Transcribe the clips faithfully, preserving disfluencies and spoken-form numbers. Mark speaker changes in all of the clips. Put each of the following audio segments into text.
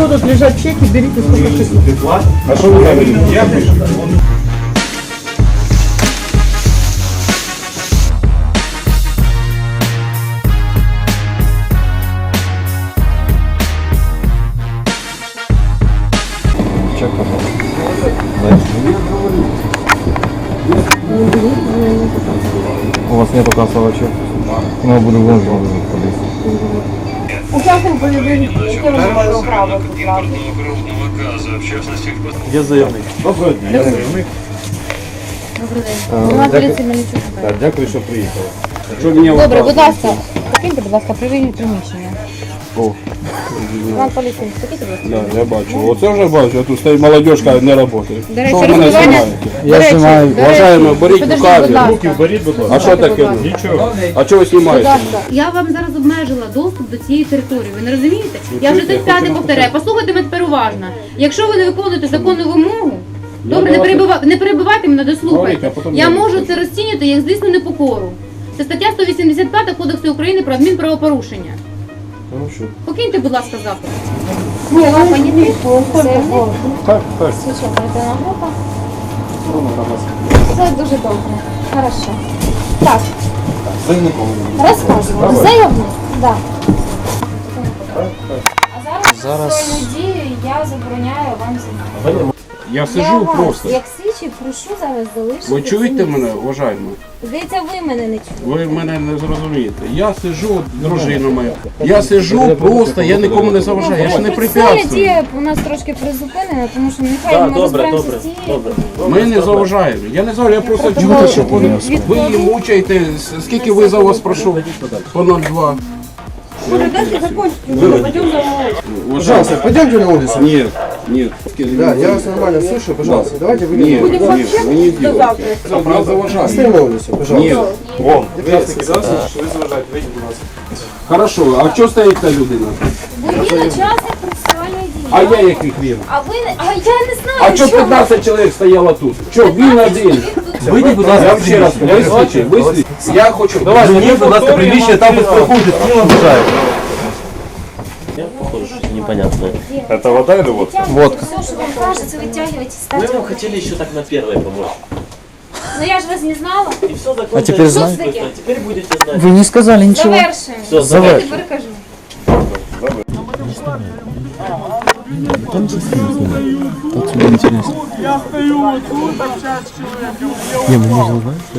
Speaker 1: что тут лежат чеки, берите сколько хотите.
Speaker 2: А что вы говорите? Я пишу. Чек, пожалуйста. У вас нету кассового чека? Ну, буду вон подойти.
Speaker 1: Участник боевых, яке ви маєте право тут разом?
Speaker 2: Я заявник. Доброго дня, я заявник.
Speaker 1: Добрий день. Вона поліції Мельничук.
Speaker 2: Так, дякую, що приїхали.
Speaker 1: Добре, будь ласка, покиньте, будь ласка, привільні приміщення.
Speaker 2: О,
Speaker 1: Іван поліції, покиньте, будь ласка.
Speaker 2: да, я бачу. Оце вже бачу, а тут стоїть молодежка, не працює.
Speaker 1: До речі,
Speaker 2: Що ви мене
Speaker 1: розкривання-
Speaker 2: знімаєте?
Speaker 1: До речі,
Speaker 2: знімаю.
Speaker 1: до речі,
Speaker 2: Вважаємо, беріть
Speaker 1: підождіть,
Speaker 2: рукаві.
Speaker 1: будь ласка.
Speaker 2: Руки
Speaker 3: Беріть, будь ласка.
Speaker 2: А що таке?
Speaker 3: Нічого.
Speaker 2: А чого ви
Speaker 1: Будь
Speaker 2: знімаєте?
Speaker 1: ласка.
Speaker 4: Я вам зараз обмежила доступ до цієї території. Ви не розумієте? Я вже
Speaker 2: чуєте,
Speaker 4: тут
Speaker 2: я
Speaker 4: п'яте
Speaker 2: хочу
Speaker 4: повторяю.
Speaker 2: написати.
Speaker 4: Послухайте мене тепер уважно. Якщо ви не виконуєте законну вимогу, добре, не
Speaker 2: давайте.
Speaker 4: перебивайте, не перебивайте мене,
Speaker 2: Говоріть,
Speaker 4: дослухайте.
Speaker 2: а потім
Speaker 4: Я
Speaker 2: я
Speaker 4: можу
Speaker 2: скажу.
Speaker 4: це розцінювати як злісну непокору. Це стаття сто вісімдесят п'ять Кодексу України про адмінправопорушення.
Speaker 2: Ну що?
Speaker 4: Покиньте, будь ласка, заклад.
Speaker 1: Ну,
Speaker 4: Вам понятий?
Speaker 2: Так, так.
Speaker 1: Священна група. Все дуже добре. Хорошо. Так,
Speaker 2: Заявником.
Speaker 1: розказуємо. Заявник? Так. А зараз,
Speaker 3: Зараз-
Speaker 1: своєю дією я забороняю вам знімати.
Speaker 2: Я
Speaker 1: Я
Speaker 2: сижу
Speaker 1: вас,
Speaker 2: просто.
Speaker 1: як слідчий, прошу зараз залишити.
Speaker 2: Ви
Speaker 1: це
Speaker 2: чуєте
Speaker 1: місце.
Speaker 2: мене, уважаємо?
Speaker 1: Здається, ви мене не чуєте.
Speaker 2: Ви мене не зрозумієте. Я сиджу, дружина моя. Я сиджу просто, я нікому не заважаю, я ж не
Speaker 1: Процесуальна
Speaker 2: препятствую.
Speaker 1: дія у нас трошки призупинена, тому що нехай
Speaker 3: Так,
Speaker 1: ми
Speaker 3: добре,
Speaker 1: розберемося
Speaker 3: добре,
Speaker 1: з цією.
Speaker 3: добре.
Speaker 2: Ми не заважаємо. Я не заважаю, я просто
Speaker 1: Протокол
Speaker 2: чую, що ви,
Speaker 1: від-
Speaker 2: ви її мучаєте. С- Скільки ви за вас прошу? По нуль два.
Speaker 5: Пожалуйста, пойдемте на улицу.
Speaker 2: Нет, нет.
Speaker 5: Да, я вас нормально слышу, пожалуйста. Давайте выйдем.
Speaker 2: Нет, нет, вы не делайте. Нас заважаете.
Speaker 5: Оставим на улицу, пожалуйста.
Speaker 2: Нет.
Speaker 3: Вон.
Speaker 2: Хорошо, а що стоїть та людина?
Speaker 1: Ви є учасник процесуальної дії.
Speaker 2: А я яких він?
Speaker 1: А ви не- а я не знаю,
Speaker 2: А що п'ятнадцять чоловік стояло тут? Що, він один?
Speaker 3: Вийдіть, будь
Speaker 2: Я
Speaker 3: ласка,
Speaker 2: вам ще раз кажу, ви слідчий, ви слідчий. Я хочу...
Speaker 3: Давайте, мені, будь ласка, приміщення, там без проходить, не обижають. Похоже, что непонятное.
Speaker 2: Это вода или водка?
Speaker 3: Водка.
Speaker 1: Все, що вам кажется, витягивайте,
Speaker 3: Мы
Speaker 1: ставьте.
Speaker 3: вам хотели еще так на первое помочь.
Speaker 1: Ну я ж вас не знала.
Speaker 3: И все закончилось.
Speaker 6: А теперь
Speaker 1: Що це
Speaker 6: знаете?
Speaker 1: таке?
Speaker 3: А теперь будете знать.
Speaker 6: Вы не сказали ничего.
Speaker 1: Завершуємо.
Speaker 3: Все,
Speaker 1: Я
Speaker 3: завершуємо.
Speaker 1: тепер кажу.
Speaker 6: Тут тебе интересно. Я стою тут, общаюсь с человеком. Не, мы можно узнать, что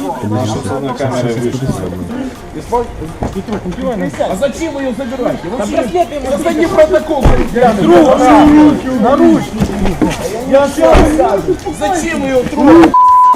Speaker 6: это?
Speaker 2: А зачем вы ее забираете? Вообще, создайте протокол.
Speaker 5: Я все расскажу.
Speaker 2: Зачем ее трогать?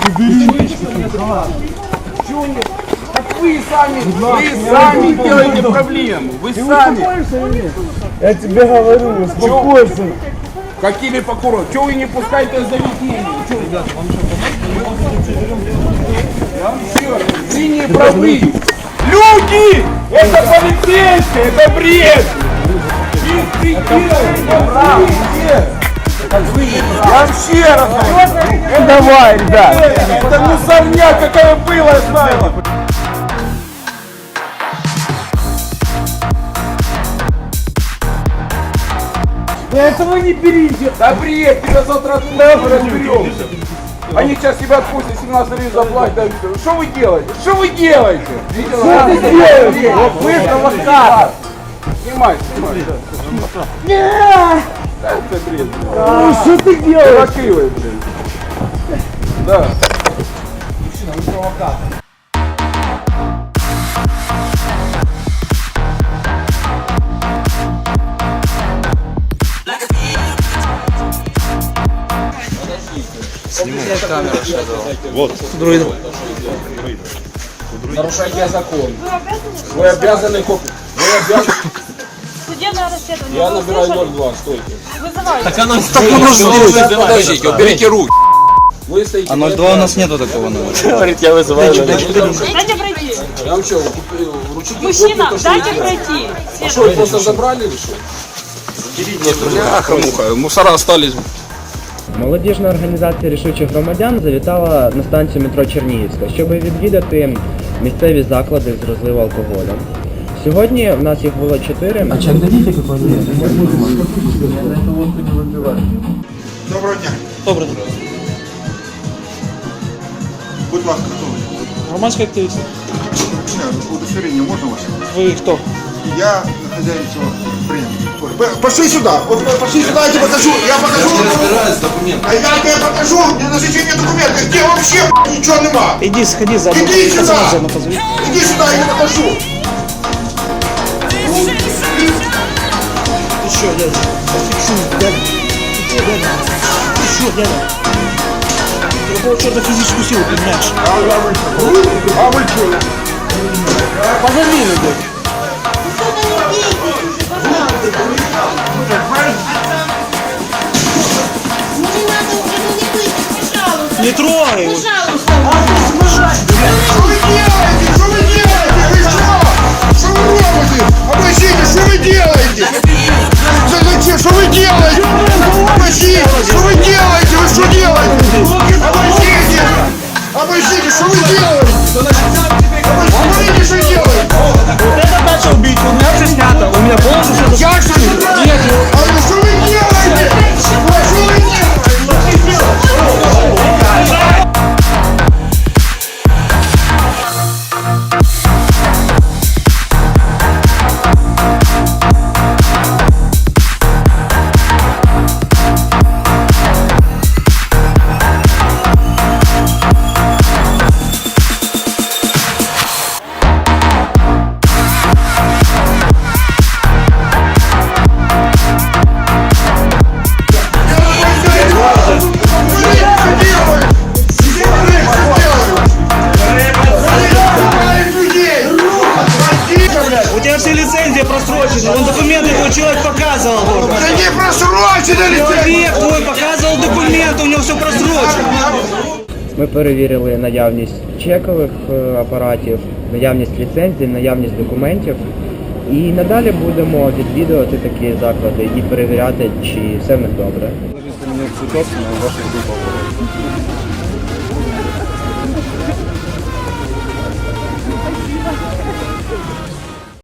Speaker 2: Чего нет? Так вы сами, вы сами делаете проблему. Вы сами.
Speaker 5: Я тебе говорю, успокойся.
Speaker 2: Какими покуром? Чего вы не пускаете заведение? Чего, ребята, вам что, Я вам еще раз. Линии правы. Люди! Это полицейские, это бред! Я вам ще раз говорю. Давай, ребят. Это мусорня, какая была, я знаю.
Speaker 5: Этого не берите.
Speaker 2: Да бред, тебя завтра туда разберемся. Они сейчас тебя отпустят, семнадцать гривен заплатят. да, всё. Что вы делаете? Что вы делаете? Что
Speaker 5: ты делаешь?
Speaker 2: Вы провокатор. Снимай, снимай.
Speaker 5: Нет!
Speaker 2: Это бред.
Speaker 5: Ну, что ты делаешь?
Speaker 2: Провокивай, блин. Да. Нарушайте закон. Вы обязаны копить. Вы обязаны.
Speaker 7: Судебное расследование.
Speaker 2: Я
Speaker 7: Вы
Speaker 2: набираю
Speaker 7: услышали?
Speaker 2: ноль два, стойте.
Speaker 7: Вызывайте.
Speaker 3: Так она что
Speaker 8: Подождите, уберите руки.
Speaker 2: Вы стоите.
Speaker 6: А ноль два у нас нету такого номера.
Speaker 3: говорит, я вызываю.
Speaker 7: Дайте пройти.
Speaker 2: Я вам что, купил ручки?
Speaker 7: Мужчина,
Speaker 2: копию, то, что
Speaker 7: дайте
Speaker 2: вы делаете?
Speaker 7: пройти.
Speaker 2: А что, вы просто забрали или что? Бляха, муха, мусора остались.
Speaker 9: Молодіжна організація рішучих громадян завітала на станцію метро Чернігівська, щоб відвідати місцеві заклади з розливу алкоголю. Сьогодні в нас їх було чотири. А чек дадите какой-нибудь?
Speaker 8: Доброго дня.
Speaker 6: Добре.
Speaker 8: Будь ласка, хто ви?
Speaker 6: Громадський активіст.
Speaker 8: Не, удостоверение можно ваше?
Speaker 6: Ви хто?
Speaker 8: Я хозяин всего предприятия. Пошли сюда. Вот пошли сюда, я тебе покажу. Я покажу. А я тебе покажу. Мне на зачем документы. Где вообще ничего нема?
Speaker 6: Іди, сходи за
Speaker 8: Иди сюда.
Speaker 6: позови.
Speaker 8: Иди сюда, я тебе покажу.
Speaker 6: Ти що, дядя? Фіксуй, дядя. Ти що, дядя? Ти що, дядя? Треба что-то физическую силу применяешь.
Speaker 8: А вы что?
Speaker 6: Позови людей. Не трогай его.
Speaker 8: Что вы делаете? Что вы делаете? Вы что? Что вы робите? Обращите, что вы делаете? За- Зачем? Что вы делаете? Обращите, что вы делаете? Вы что делаете? Обращите! Обращите, что вы делаете? Обращите, что делаете?
Speaker 6: Вот это начал бить, у меня все снято. У меня полностью все.
Speaker 8: Я что ли? Нет. А вы что вы делаете? Ой, что вы делаете?
Speaker 6: У тебя все лицензии просрочены. Он документы твой человек показывал.
Speaker 8: Да не просрочено ли ты?
Speaker 6: Человек твой показывал документы, у него все просрочено.
Speaker 9: Ми перевірили наявність чекових е, апаратів, наявність ліцензій, наявність документів. І надалі будемо відвідувати такі заклади і перевіряти, чи все в них добре.
Speaker 2: Мені цвіток на ваших групах.